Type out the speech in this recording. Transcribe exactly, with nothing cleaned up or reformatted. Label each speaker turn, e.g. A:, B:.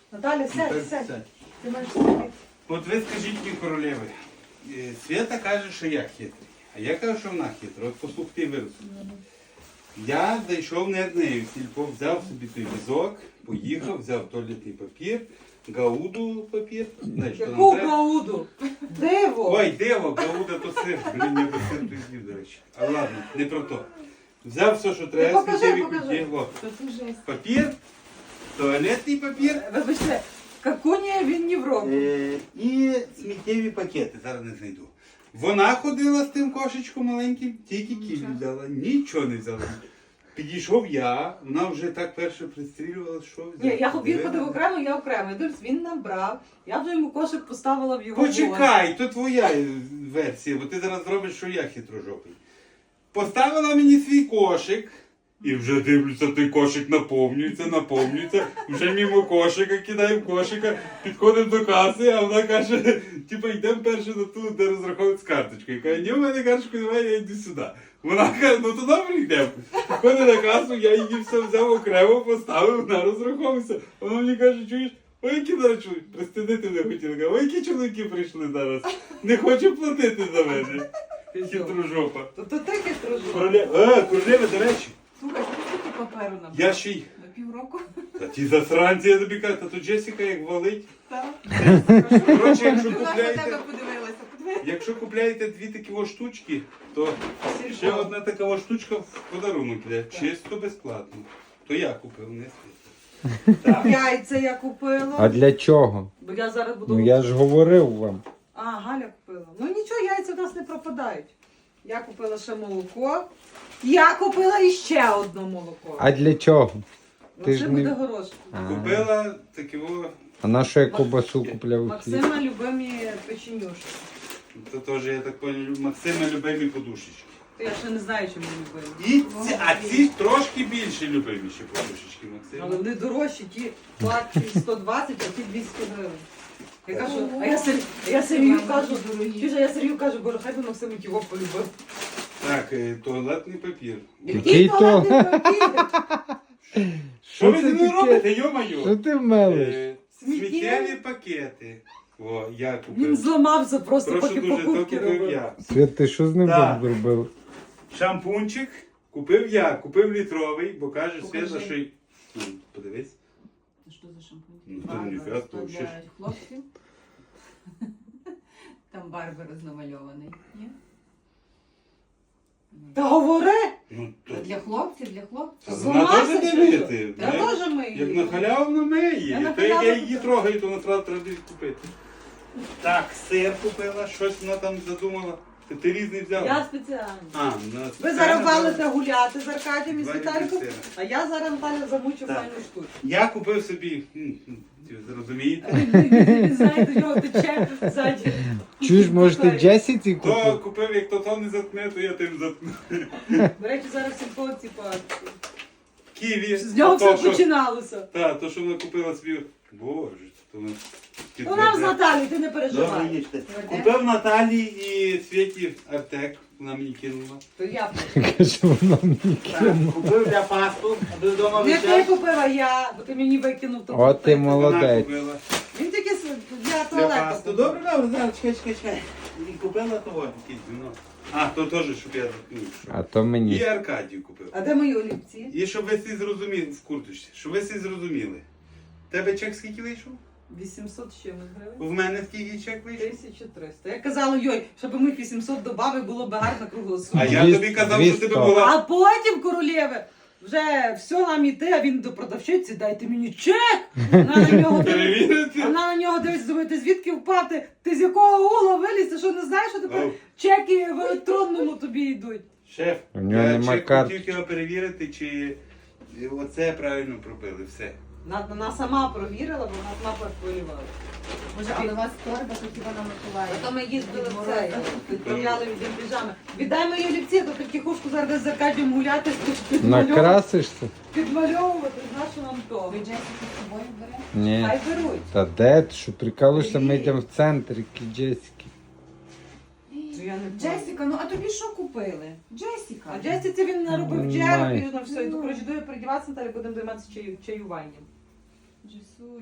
A: Наталя, сядь,
B: Так,
A: сядь.
B: сядь.
A: Ти маєш сидіти.
B: От ви скажіть мені, королеви, е, Свята каже, що я хитрий, а я кажу, що вона хитра. От послухайте вирус. Я зайшов не однею в сільпо, взяв собі той візок, поїхав, взяв туалетний папір, гауду папір. Знаєш, що нам
A: Яку
B: треба?
A: гауду? Диво!
B: Ой, диво, гауда то сир. Блін, я до сир призвів, до речі. А ладно, не про то. Взяв все, що треба,
A: покажи,
B: сміттєві
A: покажи.
B: кульки. О,
C: Що це жесть?
B: папір, туалетний папір
A: Вибачте, какуня він не в року.
B: е, і сміттєві пакети. Зараз не знайду. Вона ходила з тим кошечком маленьким, тільки кіль взяла, нічого не взяла. Підійшов я, вона вже так перше пристрілювала, що взяла.
A: Ні, я він
B: Дивила.
A: ходив окремо, я окремо. Я дивлюсь, він набрав. Я вже йому кошик поставила в його вон.
B: Почекай, то твоя версія, бо ти зараз зробиш, що я хитрожопий. Поставила мені свій кошик, і вже дивлюся, той кошик наповнюється, наповнюється. Вже мимо кошика, кидаємо кошика, підходимо до каси, а вона каже, типу, йдемо перше на ту, де розраховують з карточкою. Каже, ні, в мене карточку немає, я йду сюди. Вона каже, ну то добре йдемо. Підходить на касу, я її все взяв окремо, поставив, вона розраховується. Вона мені каже, чуєш, ой, які зараз чоловіки, пристидити не хотіли. Каже, ой, які чоловіки прийшли зараз. Не хочу платити за мене. Хитрожопа.
A: То то ти хитрожопа.
B: Королева, а, королева, до речі,
C: Слухай, скільки паперу нам?
B: я ще й...
C: На півроку?
B: Та ті засранці, я тобі кажу, та то Джесіка як валить.
C: Так.
B: Коротше, якщо
C: Вона на
B: купляєте,
C: тебе подивилася. Подивилася.
B: якщо купляєте дві такі о штучки, то ще одна така о штучка в подарунок йде. Чисто безплатно. То я купив, не Світа. Так.
A: Яйця я купила.
D: А для чого?
A: Бо я зараз буду...
D: Ну я ж говорив вам.
A: А, Галя купила. Ну нічого, яйця в нас не пропадають. Я купила ще молоко. Я купила іще одне молоко.
D: А для чого?
A: Ну,
D: ти
A: це
D: ж
A: буде
D: не-
A: горошко.
D: А,
B: Купила такі о,
D: а на що я ковбасу купляв? хліб?
A: Максима любимі печенюшки.
B: то теж, я так понял, Максима любимі подушечки.
A: То я ще не знаю, чому любимі.
B: І ці, а ці трошки більше любиміші подушечки,
A: Але
B: Максима.
A: вони дорожчі, ті платять сто двадцять, а ті двісті гривень. Я кажу, а я, Сер... а я Сергію кажу, чуєш, а я Сергію кажу, боже, хай би Максим його полюбив.
B: Так, е, туалетний папір.
D: Який то?
A: туалетний папір?
B: Що ви
D: це
B: зі мною
D: таке?
B: робите, йо-моє?
D: Що ти мелиш?
B: Е,
A: Сміттєві?
B: Сміттєві пакети. О, я
A: Він
B: купив.
A: зламався просто,
B: Прошу
A: поки
B: дуже, то
A: покупки
B: купив
A: робив.
B: я.
D: Свят, ти що з ним
B: Так.
D: зробив?
B: Шампунчик купив я, купив літровий, бо каже
C: Покажи.
B: Свята, що... й- Ну, подивись.
C: Що за шампунь?
B: Ну, то
C: Барбара,
B: ніфіга,
C: то
B: то ще ж.
C: для хлопців. Там Барбара намальований. Ні?
A: Та говори!
B: Ну, то...
C: То для хлопців, для хлопців.
B: Та
A: З
B: вона
A: ума
B: теж
A: сидиш,
B: дивити.
A: Я теж мию.
B: Як на халяву миє.
A: Я на
B: То як я
A: халяву
B: її
A: купила.
B: трогаю, то насправді треба десь купити. Так, сир купила, щось вона там задумала. Ти, ти різний взяв?
A: Я спеціально.
B: А, на
A: Ви
B: спеціально
A: зараз
B: взяла.
A: валите гуляти з Аркадієм і з
B: Два літри
A: Віталіком,
B: сира.
A: а я зараз Наталя замучу
B: Так.
A: файну штуку.
B: Я купив собі, м, м, ви зрозумієте?
A: Він знає, до нього тече ззаді.
D: Чуєш, може ти Джесіці
B: То
D: купив?
B: купив, як то то не заткне, то я тим заткну.
A: До речі, зараз сільпо, типа,
B: Ківі.
A: з нього
B: то,
A: все
B: що-
A: починалося.
B: Та, то, що вона купила собі. Боже, то вона...
A: Ну нам з Наталі, ти не
B: Добре,
A: переживай.
B: їжте. Купив Наталі і Світі Артек, вона мені кинула.
A: То я.
D: Каже, вона мені кинула.
B: Купив для пасту, аби вдома
A: Не ти
B: вичай.
A: купила, я, бо ти мені викинув то.
D: О, ти
B: Вона
D: молодець.
B: купила
A: Він тільки с- для
B: для
A: туалету.
B: пасту. Добре, добре, зараз, чекай, чекай, чекай. І купила того, якийсь вино. А, то теж, щоб я заткнув.
D: А то
B: І
D: мені.
B: Аркадію купив.
A: А де мої олівці?
B: І щоб ви всі зрозуміли, в курточці, щоб ви всі зрозуміли. Тебе чек скільки вийшов?
A: вісімсот з чимось гривень.
B: В мене скільки чек вийшов?
A: тисяча триста. Я казала, йой, щоб ми вісімсот добавили, було б гарно кругло сума.
B: А я
D: Дві-
B: тобі казав, що тебе
D: двісті.
B: була.
A: А потім, королєве, вже все нам іти, а він до продавщиці, дайте мені чек. Вона на нього дивиться.
B: Перевірити?
A: Вона на нього дивиться, думає, ти звідки впати? Ти з якого угла виліз? Ти що не знаєш, що тепер
B: Ау.
A: чеки в електронному тобі йдуть?
B: Шеф,
D: У нього
B: я
D: нема
B: чек
D: карти.
B: хотів його перевірити, чи оце правильно пробили, все.
A: Вона, вона сама провірила, бо вона сама перехвилювала.
C: Може, але у вас торба, то хіба на Миколаїв?
A: Потім ми їздили в це, відправляли від піжами. Віддай мої олівці, то потихушку зараз десь з Аркадієм гуляти, підмальовувати,
D: Накрасишся?
A: підмальовувати, знаєш, що нам то.
C: Ви Джесіку з собою берете?
D: Ні.
A: Хай беруть.
D: Та де ти, що прикалуєшся, ми йдемо в центр, які Джесіки.
A: Ну, я не
C: Джесіка, ну а тобі що купили? Джесіка.
A: А Джесіці він наробив
D: Ну,
A: чергу,
D: май.
A: і на все. І коротше, дує передіватися, Наталі, будемо займатися чаю, чаюванням.
C: Джесуль.